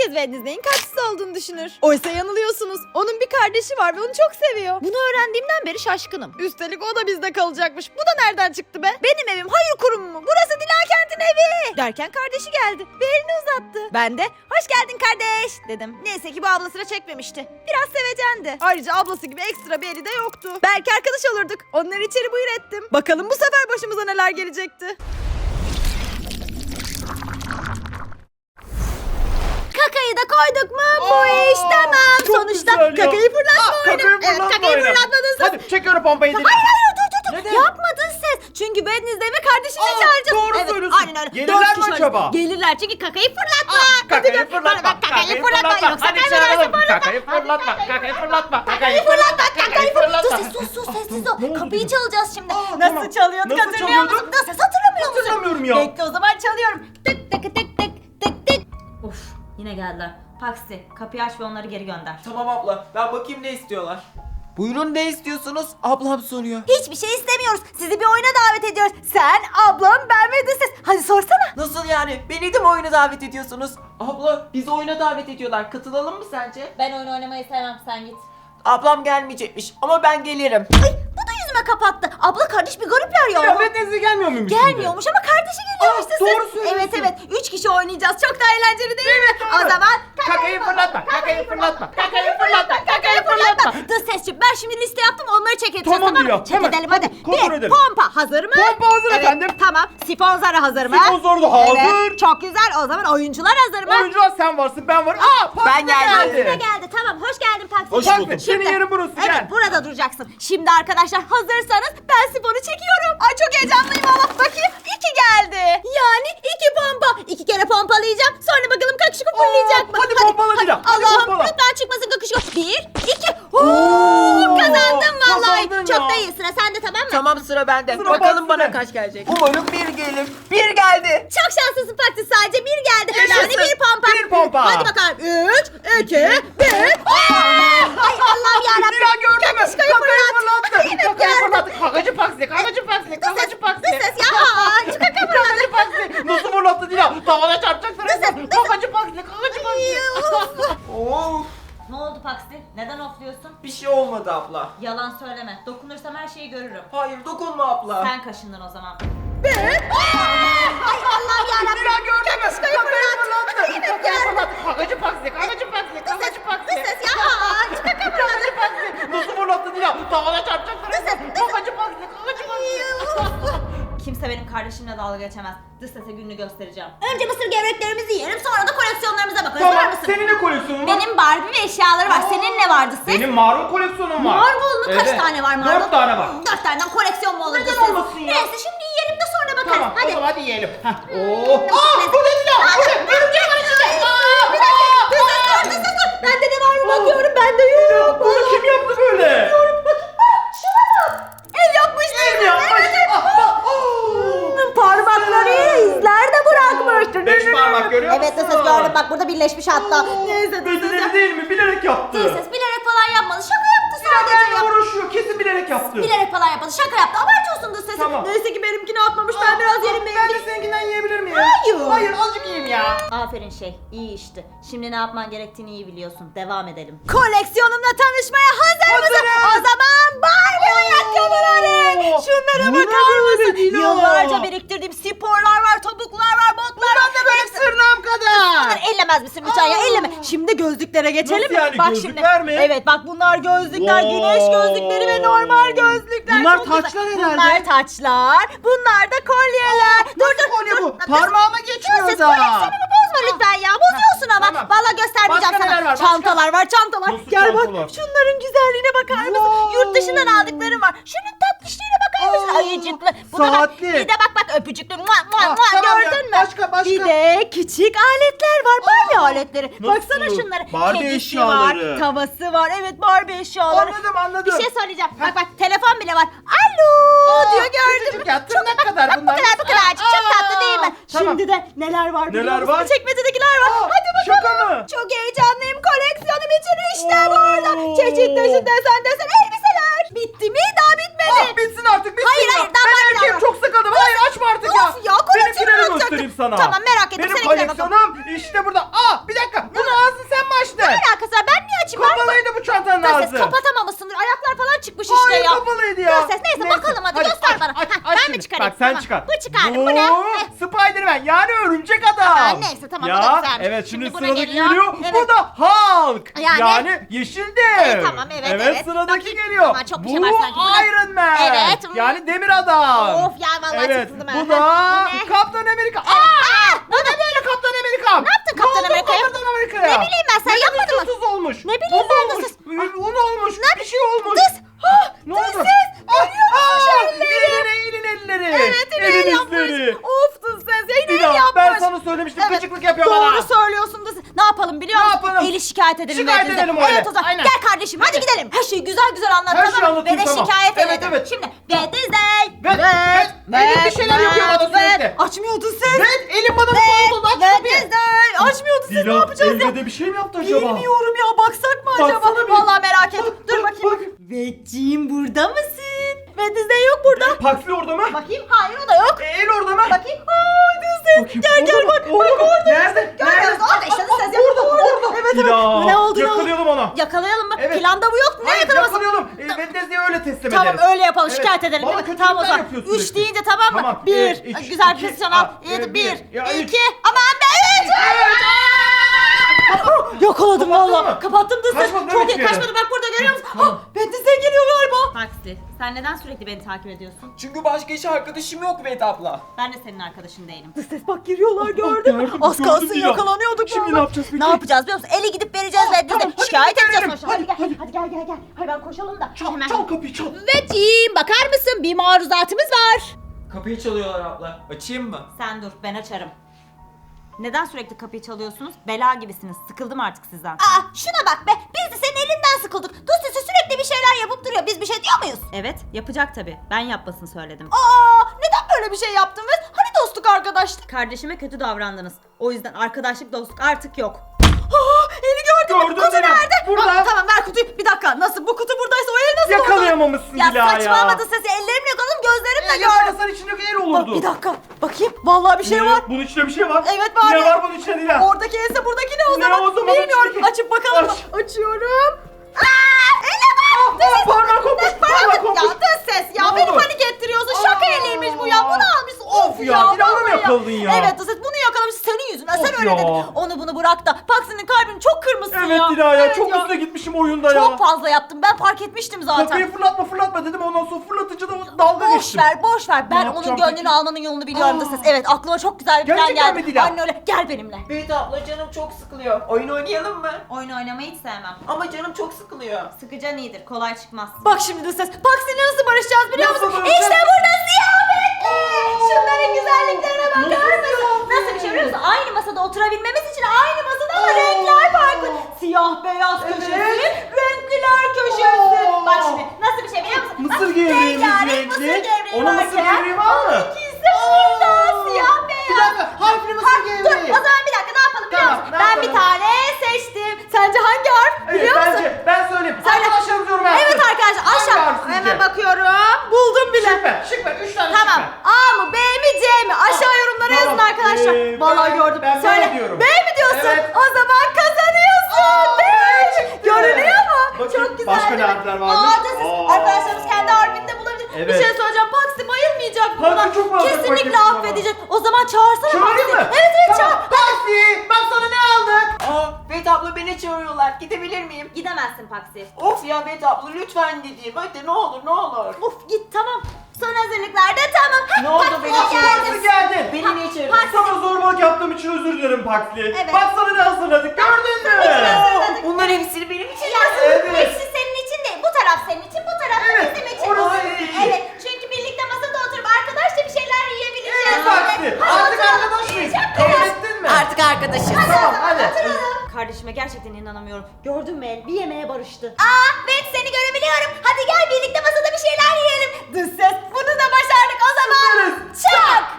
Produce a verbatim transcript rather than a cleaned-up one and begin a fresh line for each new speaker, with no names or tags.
herkes Wednesday'in kaççısı olduğunu düşünür. Oysa yanılıyorsunuz. Onun bir kardeşi var ve onu çok seviyor. Bunu öğrendiğimden beri şaşkınım. Üstelik o da bizde kalacakmış. Bu da nereden çıktı be? Benim evim hayır kurumu mu? Burası Dilakent'in evi. Derken kardeşi geldi ve elini uzattı. Ben de hoş geldin kardeş dedim. Neyse ki bu abla sıra çekmemişti. Biraz sevecendi. Ayrıca ablası gibi ekstra bir eli de yoktu. Belki arkadaş olurduk. Onları içeri buyur ettim. Bakalım bu sefer başımıza neler gelecekti. Kakayı da koyduk mu? Bu
Aa,
iş tamam.
çok
Sonuçta
güzel ya.
kakayı fırlatma
Aa,
oyunu.
kakayı
Evet,
fırlatma
kakayı
oyunu.
fırlatmadın sen.
Hadi çekiyorum pompayı.
Hayır hayır dur dur dur.
Neden?
Yapmadın ses. Çünkü Wednesday ve kardeşini
Aa,
çağıracağız.
doğru
Evet,
söylüyorsun.
aynen öyle.
Gelirler
Dört
mi
kişi
acaba?
var. Gelirler çünkü kakayı fırlatma.
Aa, kakayı
Hadi,
fırlatma.
bak, kakayı fırlatma. Yoksa
Hadi
kaybedersin
çağıralım.
fırlatma.
Kakayı fırlatma. Kakayı fırlatma.
Kakayı fırlatma. Kakayı fırlatma. Dur
fırlatma.
ses sus sus sessiz
Ne
ol.
oldu
Kapıyı
yine?
çalacağız şimdi.
Aa,
Nasıl
tamam.
çalıyorduk
Nasıl
hatırlıyor
çalıyorduk?
musun? Nasıl ses hatırlamıyor musun?
Hatırlamıyorum ya.
Bekle o zaman çalıyorum. Tık tık tık tık tık tık. Uf yine geldiler. Paksi kapıyı aç ve onları geri gönder.
Tamam abla, ben bakayım ne istiyorlar. Buyurun, ne istiyorsunuz? Ablam soruyor.
Hiçbir şey istemiyoruz. Sizi bir oyuna davet ediyoruz. Sen, ablam, ben ve Dış Ses. Hadi sorsana.
Nasıl yani? Beni de mi oyuna davet ediyorsunuz? Abla, bizi oyuna davet ediyorlar. Katılalım mı sence?
Ben oyun oynamayı sevmem, sen git.
Ablam gelmeyecekmiş ama ben gelirim.
Ay bu da yüzüme kapattı. Abla kardeş bir garipler ya.
Ya Wednesday gelmiyor muymuş şimdi?
Gelmiyormuş ama kardeşi geliyormuş
Aa,
Dış Ses.
doğru söylüyorsun.
Evet evet. Üç kişi oynayacağız. Çok da eğlenceli değil mi? O zaman
Kakayı fırlatma. Kakayı fırlatma.
Kakayı fırlatma. Kakayı fırlatma. Dış Sesciğim ben şimdi liste yaptım. Onları çek edeceğiz.
Tamam
Tamam
Dila,
mı? Çek
hemen.
edelim hadi.
Hadi, kontrol
Bir
edelim.
pompa hazır mı?
Pompa hazır
Evet,
efendim.
Tamam. Sifon zarı hazır mı?
Sifon zarı da hazır.
Evet. Çok güzel. O zaman oyuncular hazır mı?
Oyuncular sen varsın, ben varım. Aa, Paksi
Ben geldim.
Taksi de geldi. Tamam. Hoş geldin taksi.
Hoş bulduk. Senin yerin burası,
Evet
gel.
burada duracaksın. Şimdi arkadaşlar hazırsanız ben sifonu çekiyorum. Ay çok heyecanlıyım ama bakayım. iki geldi. Yani iki pompa. İki kere pompalayacağım. Sonra bakalım kakışık fırlayacak mı?
hadi pompala Dila, hadi
Allah'ım
pompala.
lütfen çıkmasın kakışık. Bir, iki. Oo, kazandım vallahi.
kazandın
Çok
ya.
da iyi. Sıra sende tamam mı?
Tamam, sıra bende.
Sıra
Bakalım
Paksi'de.
bana kaç gelecek. Umarım bir gelir. Bir geldi.
Çok şanslısın Fatih, sadece bir geldi.
Yaşasın.
Yani bir pompa.
Bir pompa.
Hadi bakalım. Üç, iki, bir. Ay Allah'ım yarabbim.
Dila gördün mü?
Kakışkayı
Kakayı
fırlat.
fırlattı.
Evet,
Kakayı
gördüm.
fırlattı. Kakacı Paksi. Kakacı Paksi. Kakacı Paksi.
Dış ses ya. Aa, şu kaka fırladı.
Kakacı Paksi. Nasıl fırlattı Dila? Tavana çarpacak
Dış ses,
sana.
dış ses.
Kakacı Paksi. Kakacı Paksi.
Of,
Ne oldu Paksi? Neden ofluyorsun?
bir şey olmadı abla.
Yalan söyleme. Dokunursam her şeyi görürüm.
Hayır, dokunma abla.
Sen kaşındın o zaman. Ay Allah'ım yarabbim.
Dila gördün mü?
Kakışkayı
Kakayı
fırlattı.
fırlattı.
Evet,
Kakayı
gördüm.
fırlattı. Kakacı Paksi. Kakacı Paksi. Kakacı Paksi.
Dış ses ya. Aa, şu kaka fırladı.
Kakacı Paksi. Nasıl fırlattı Dila? Tavana çarpacak sana. Kakacı Paksi. Kakacı Paksi.
Kimse benim kardeşimle dalga geçemez. Dış sese gününü göstereceğim. Önce mısır gevreklerimizi yiyelim, sonra da koleksiyonlarımıza bakarız. Var
Tamam,
mısın?
senin ne koleksiyonun var?
Benim Barbie ve eşyaları var. Senin ne vardı ses?
Benim marul koleksiyonum var.
Marvel mu? Kaç
Evet.
tane var Marvel?
Dört tane var.
Hmm, Dört taneden koleksiyon mu olur?
Neden
dış ses?
olmasın ya?
Neyse şimdi yiyelim de sonra bakarız.
Tamam,
Hadi.
o zaman hadi yiyelim. Heh. Oo.
Neyse.
Aa, bu ne Dila? Bu ne? Örümcek var içinde. Aa,
Bir dakika. Dış ses dur, dış ses dur. Bende de var mı bakıyorum. Bende yok.
Bunu kim yaptı böyle?
Şuna bak. El yapmış.
Kim yapmış? Ah, ah, oo.
Parmakları izler de bırakmış.
Beş parmak görüyor
Evet dış
musun?
ses gördüm, bak burada birleşmiş hatta. Neyse dış ses.
Becerili değil mi? Bilerek yaptı.
Dış ses bilerek falan yapmadı. Şaka yaptı sadece
Benimle
ya.
uğraşıyor. Kesin bilerek yaptı.
Bilerek falan yapmadı. Şaka yaptı. Abartıyorsun dış sesi.
Tamam.
Neyse ki benimkini atmamış. Ben biraz yerim
Ben
benimkini.
de seninkinden yiyebilir miyim?
Hayır.
Hayır, azıcık yiyeyim ya.
Aferin şey. İyi işti. Şimdi ne yapman gerektiğini iyi biliyorsun. Devam edelim. Koleksiyonumla tanışmaya hazır mısın?
Hazırım.
O zaman Barbie ayakkabıları.
Oo.
Şunlara
Bu ne
bakar
böyle
mısın?
Dila?
Yıllarca biriktirdiğim sporlar var, topuklar var, botlar var.
Ben de böyle sırnağım kadar.
Bunları ellemez misin lütfen ya? Elleme. Şimdi gözlüklere geçelim
Nasıl
mi?
yani?
Bak
Gözlükler
şimdi.
mi?
Evet bak bunlar gözlükler.
Wow.
Güneş gözlükleri ve normal gözlükler.
Bunlar
Çok güzel.
taçlar herhalde.
Bunlar taçlar. Bunlar da kolyeler. dur dur
kolye
dur.
bu?
Dur.
Parmağıma geçmiyor
Siz
da.
koleksiyonumu bozma lütfen ya. Bozuyorsun ama.
Tamam.
Vallahi göstermeyeceğim
Başka
sana.
neler var? Başka?
Çantalar var, çantalar.
Nasıl
Gel
çantalar?
bak. Şunların güzelliğine bakar mısın?
Wow.
Yurt dışından aldıklarım var. Şunun tatlışlığına bakar mısın?
Aa,
Ayıcıklı. Buna bak.
saatli.
Bir de bak bak öpücüklü. Mua, mua,
Ah,
mua.
tamam ya.
Gördün mü?
Başka, başka.
Bir de küçük aletler var. Barbie aletleri.
Nasıl?
Baksana şunlara.
Barbie
Kedisi
eşyaları.
var, tavası var. Evet Barbie eşyaları.
Anladım, anladım.
Bir şey söyleyeceğim. Bak bak telefon bile var. Alo diyor, gördün mü?
Küçücük ya, tırnak kadar
Bak bu
bunlar.
kadar bu kadarcık. Çok
Aa,
tatlı değil mi?
tamam.
Şimdi de neler var biliyor
Neler
musun?
var?
Çekmecedekiler var.
Aa,
Hadi bakalım.
şaka mı?
Çok heyecanlıyım. Koleksiyonum için işte
Oo.
burada. Çeşit çeşit desen desen elbiseler. Bitti mi? Daha bitmedi.
Ah, bitsin artık, bitsin
Hayır,
ya.
hayır, daha
Ben
var,
erkeğim,
daha var.
çok sıkıldım. Hayır, açma artık
Of ya, koleksiyonu
Benimkileri
bırakacaktım.
göstereyim sana.
Tamam, merak ettim,
Benim
seninkilerine bakalım.
koleksiyonum işte burada. Aa, bir dakika. Bunu sen
Tamam.
çıkar.
Bu çıkardı, bu ne? Heh.
Spiderman yani örümcek adam.
Aa, neyse, tamam,
ya,
bu da güzelmiş.
Evet şimdi,
Şimdi buna
sıradaki
geliyor.
geliyor.
Evet.
Bu da Hulk.
Yani-
Yani, yeşil dev.
Evet, tamam, evet, evet.
sıradaki
Bakayım.
geliyor.
Ama çok bir
bu
şey var sanki. Bu ne?
Iron Man.
Evet.
Yani demir adam.
Of ya, vallahi
Evet
çıksın ben.
bu da
Bu ne?
Kaptan Amerika. Aa! Bu ne böyle Kaptan Amerika?
Ne yaptın Kaptan Amerika'ya?
Kaptan Amerika'ya?
Ne bileyim ben, sen
Bakın
yapmadın mı?
Tuz olmuş.
Ne bileyim
Tuz
ben de
olmuş.
siz-
Un olmuş. Bir şey olmuş.
Dız. Ah,
Ne oldu?
Dız ses. Görüyor musun şu
Aa,
elleri?
elin elin elleri.
Evet, yine el
Elin
yapmış.
izleri.
Of Dız ses ya, yine el
Dila,
yapmış.
ben sana söylemiştim, gıcıklık yapıyor
Doğru
bana.
söylüyorsun Dız. Ne yapalım biliyor
Ne
musun?
yapalım?
Eli şikayet edelim.
Şikayet
belki de.
edelim öyle.
Evet o zaman.
Aynen.
Gel kardeşim hadi gidelim. Her şeyi güzel güzel anlat,
Her şeyi
tamam mı? Ve
anlatayım,
de
tamam.
şikayet
Evet,
edelim.
evet.
Şimdi ve Dizey.
Ve- ve- elin bir şeyler yapıyor bana sürekli.
Açmıyordu ses.
Evet, elim bana bir oldu. Aç
Ve
kapıyı.
Dizey. Açmıyordu ses, ne
Dila,
yapacağız ya?
evde bir şey mi yaptı acaba?
Bilmiyorum ya, baksak mı acaba?
Baksana bir.
Vallahi merak ettim.
Bak,
Dur
bak,
bakayım.
bak.
Veciğim burada mısın? Ve Dizey yok burada.
Paxli orada mı?
Bakayım, hayır o da yok.
E, el orada mı?
Bakayım. Aa Dizey.
Bakayım,
Gel gel
orada
bak.
mı?
Bak
Orada mı?
orada.
Nerede?
Görmüyoruz.
Nerede?
Orada işte
Aa,
ses
aa,
yapıyor.
orada, orada.
Evet evet.
Dila,
Ne oldu ne oldu?
yakalayalım onu.
Yakalayalım mı?
Evet.
Planda bu yok. Ne
Hayır,
yakalaması?
yakalayalım. E, ve Dezde'yi öyle teslim
Tamam
ederiz.
öyle yapalım,
Evet.
şikayet edelim
Bana
değil mi?
kötülükler
Tamam o zaman.
yapıyor
Üç
sürekli.
deyince tamam mı?
Tamam.
Bir.
Evet, üç,
Güzel
iki,
pozisyon
aa,
al.
evet,
Yedi,
bir.
bir.
Ya, üç.
iki. Aman be üç. Yakaladım
Kapattın
valla.
mı?
Kapattım Dizey.
Kaçmadı,
Çok
evet,
iyi
bir yere.
kaçmadı. Bak burada görüyor musun?
Tamam.
Ha, ben Dizey geliyor galiba.
Taksi, sen neden sürekli beni takip ediyorsun?
Çünkü başka hiç arkadaşım yok Vedat abla.
Ben de senin arkadaşın değilim.
Ses bak, giriyorlar, gördün mü?
gördüm,
Az
gördüm
kalsın
Dila.
yakalanıyorduk.
Şimdi
vallahi.
ne yapacağız peki?
Ne yapacağız biliyor musun? Eli gidip vereceğiz ve Dizey.
tamam, hadi
Şikayet
gidelim.
edeceğiz sonuçta.
Hadi,
Hadi gel.
hadi.
Hadi gel gel gel. Hadi ben koşalım da.
Çal,
Hemen.
çal kapıyı çal.
Veciğim bakar mısın? Bir maruzatımız var.
Kapıyı çalıyorlar abla. Açayım mı?
Sen dur, ben açarım. Neden sürekli kapıyı çalıyorsunuz? Bela gibisiniz. Sıkıldım artık sizden.
Aa şuna bak be. Biz de senin elinden sıkıldık. Dosyası sürekli bir şeyler yapıp duruyor. Biz bir şey diyor muyuz?
Evet, yapacak tabii. Ben yapmasını söyledim.
Aa neden böyle bir şey yaptın biz? Hani dostluk arkadaşlık?
Kardeşime kötü davrandınız. O yüzden arkadaşlık, dostluk artık yok.
Aa eli gördün mü?
Gördüm
Kutu
Dila.
nerede?
Burada.
Aa, tamam ver kutuyu. Bir dakika, nasıl? Bu kutu buradaysa o el nasıl oldu?
Yakalayamamışsın
Ya
Dila ya.
saçmalamadı sesi. Ellerimle yakaladım, gözlerimle
E,
gördüm.
yakalasan içindeki el
Bak
olurdu.
bir dakika. Bakayım. Vallahi bir şey
Ne?
var.
Bunun içinde bir şey var.
Evet, var.
Ne var bunun içinde Dila?
Oradaki else buradaki ne o
Ne
zaman?
o zaman?
Bilmiyorum.
İçindeki-
Açıp bakalım mı?
Aç.
Açıyorum. Aa, ele var.
Aa, parmağı kopmuş. Parmağı kopmuş.
Ya dış ses ya,
Ne
beni
oldu?
panik ettiriyorsun. Şaka
Aa.
eliymiş bu ya. Bunu almışsın. Of,
Of ya, bir daha mı
vallahi
yakaladın ya?
Evet dış ses, bunu yakalamışsın senin yüzünden. Sen
Of
öyle
ya.
dedin. Onu bunu bırak da. Paksi'nin kalbini çok kırmışsın
Evet
ya.
Dila ya,
Evet
çok üstüne gitmişim oyunda ya.
Çok fazla yaptım. Ben fark etmiştim zaten.
Kapıyı fırlatma fırlatma dedim, ondan sonra fırlatınca da o dalga
Boş
geçtim.
ver, boş ver. Ben onun
yapacağım
gönlünü
peki?
almanın yolunu biliyorum da
Aa.
ses. Evet, aklıma çok güzel bir plan
Gerçekten
geldi.
mi Dila?
Anne öyle, gel benimle.
Vedat abla canım çok sıkılıyor. Oyun oynayalım mı?
Oyun oynamayı hiç sevmem.
Ama canım çok sıkılıyor.
Sıkıcan iyidir, kolay çıkmaz.
Bak şimdi de ses. Paksi'yle nasıl barışacağız biliyor
Nasıl
musun?
barışacağız?
İşte burada ziyafetli. Şunların güzelliklerine bakar mısın? Nasıl bir şey biliyor musun? Aynı masada oturabilmemiz için aynı masada ama
Oo.
renkler farklı. Siyah beyaz
Evet.
köşesi, renkliler köşesi.
Oo.
Bak şimdi nasıl bir şey biliyor musun?
Mısır
Bak,
gevreğimiz
rengarenk
renkli.
Mısır gevreği
Onun mısır
varken,
gevreği var mı?
onunkisi burada siyah beyaz.
Bir dakika, harfli mısır
Dur
gevreği.
o zaman bir dakika, ne yapalım biliyor
Tamam,
musun?
ne
Ben
yapalım?
bir tane seçtim. Sence hangi harf
Evet,
biliyor musun?
bence ben söyleyeyim.
Söyle.
Arkadaşlar diyorum ben.
Evet arkadaşlar,
Hangi
aşağı.
harf sizce?
Hemen bakıyorum. Buldum bile.
Şık ver, şık ver. Üç tane
Tamam.
şık ver.
A mı B mi C mi? Aşağı yorumlara yazın
Tamam.
arkadaşlar.
Ee,
Vallahi
ben-
gördüm.
ben B
Söyle.
diyorum.
B mi diyorsun?
Evet.
O zaman kazanıyorsun. B. Görünüyor mu?
Bakayım,
Çok güzel.
başka ne
değil mi?
harfler varmış?
Aa, da siz
Aa.
arkadaşlarınız kendi harfini de bulabilir. Bir
Evet.
şey söyleyeceğim. Paksi bayılmayacak mı
Paksi
buna?
çok bayılacak,
Kesinlikle
bayılacak
affedecek. O zaman çağırsana
Çağırayım
Paksi.
mı?
Evet evet çağır.
Tamam. Taksi. Bak sana ne aldık.
Aa Vedat abla beni çağırıyorlar. Gidebilir miyim?
Gidemezsin Paksi.
Of ya Vedat abla lütfen gideyim. Hadi ne olur ne olur.
Of git tamam. Son hazırlıklar da tamam.
Ne oldu
Paksi
beni
geldi.
Nasıl geldin?
Beni niye çağırdın?
Sana zorbalık yaptığım için özür dilerim Paxli.
Evet.
Bak sana ne hazırladık, gördün mü?
hazırladık.
Bunların hepsini benim için
Ya,
Evet.
hepsi senin için değil. Bu taraf senin için, bu taraf da
Evet,
bizim için.
orası senin için.
Evet, çünkü birlikte masada oturup arkadaşça bir şeyler yiyebileceğiz.
Evet Paxli. Artık arkadaş mıyız? Kabul ettin mi?
Artık arkadaşız.
Tamam hadi.
Kardeşime gerçekten inanamıyorum.
Gördün mü el? Bir yemeğe barıştı. Aa, ben seni görebiliyorum. Hadi gel birlikte masada bir şeyler yiyelim. Dış ses. Bunu da başardık o zaman.
Süperiz.
Çak.